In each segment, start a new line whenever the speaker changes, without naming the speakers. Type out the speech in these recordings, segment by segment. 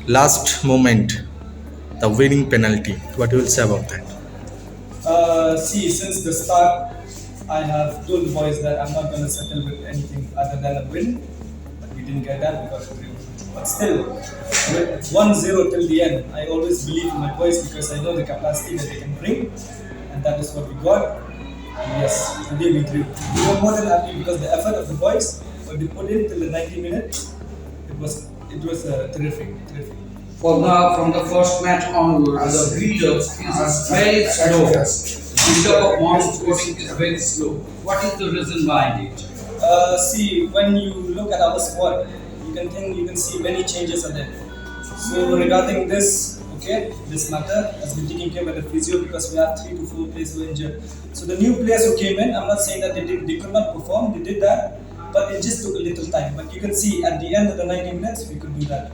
Last moment, the winning penalty. What you will say about that?
See, since the start, I have told the boys that I'm not going to settle with anything other than a win. But we didn't get that because of the But still, with 1-0 till the end, I always believe in my boys because I know the capacity that they can bring, and that is what we got. And yes, today we drew. We were more than happy because the effort of the boys, what they put in till the 90 minutes, it was terrific.
From the first match onwards, the build-up is very slow. The build-up of Mount Sporting is very slow. What is the reason behind it?
See, when you look at our squad, you can see many changes are there. So regarding this, okay, this matter has been taken care by the physio because we have 3 to 4 players who were injured. So the new players who came in, I'm not saying that they could not perform, they did that, but it just took a little time. But you can see at the end of the 90 minutes, we could do that.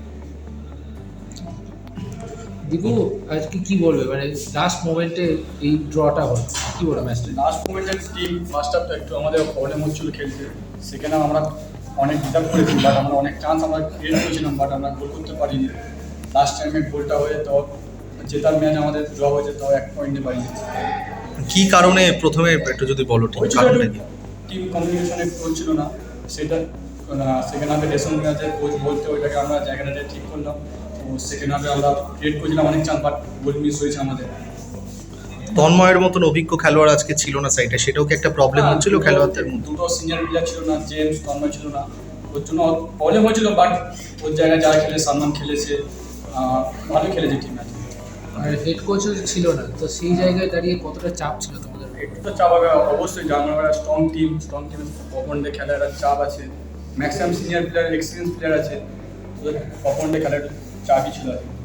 Dipu আজকে কি বলবে মানে last মোমেন্টে এই ড্রটা হল কি বলবে ম্যাচটা?
লাস্ট মোমেন্টের টিম ফার্স্ট হাফটা একটু আমাদের প্রবলেম হচ্ছিল খেলতে, সেখানে আমরা অনেক ডিজার্ভ করেছি, বাট আমরা অনেক চান্স আমরা ক্রিয়েট করেছিলাম, বাট আমরা গোল করতে পারিনি। লাস্ট টাইমে গোলটা হয়ে তো জেতার ম্যাচ আমাদের ড্র হয়েছে, তাও 1 পয়েন্টে পাইনি।
কি কারণে প্রথমে একটু যদি বলো ঠিক কারণটা কি?
টিম কমিউনিকেশনে হচ্ছিল না, সেটা সেকেন্ড হাফে ডেসন ম্যাচে কোচ বলতে ওইটাকে আমরা জায়গাটাতে ঠিক করলাম। তো সেকেন্ড হাফে আমরা ক্রিয়েট করেছিলাম অনেক চান্স, বাট গোল মিস হয়েছে আমাদের।
তন্ময়ের মতন অভিজ্ঞ খেলোয়াড় আজকে ছিল না সাইডে, সেটাও কি একটা প্রবলেম হচ্ছিল খেলোয়াড়দের মধ্যে?
দুটো সিনিয়র প্লেয়ার ছিল না, জেমস তন্ময় ছিল না, ওর জন্য প্রবলেম হয়েছিল। বাট ওর জায়গায় যারা খেলে, সালমান খেলেছে, ভালো খেলেছে টিম আছে।
আর হেড কোচও ছিল না, তো সেই জায়গায় দাঁড়িয়ে কতটা চাপ ছিল তোমাদের?
একটু তো চাপ হবে অবশ্যই, যেমন আমরা স্ট্রং টিমের অপনডে খেলার একটা চাপ আছে, maximum senior player experience player আছে, ওদের অপনডে খেলার চাপই ছিল আর কি।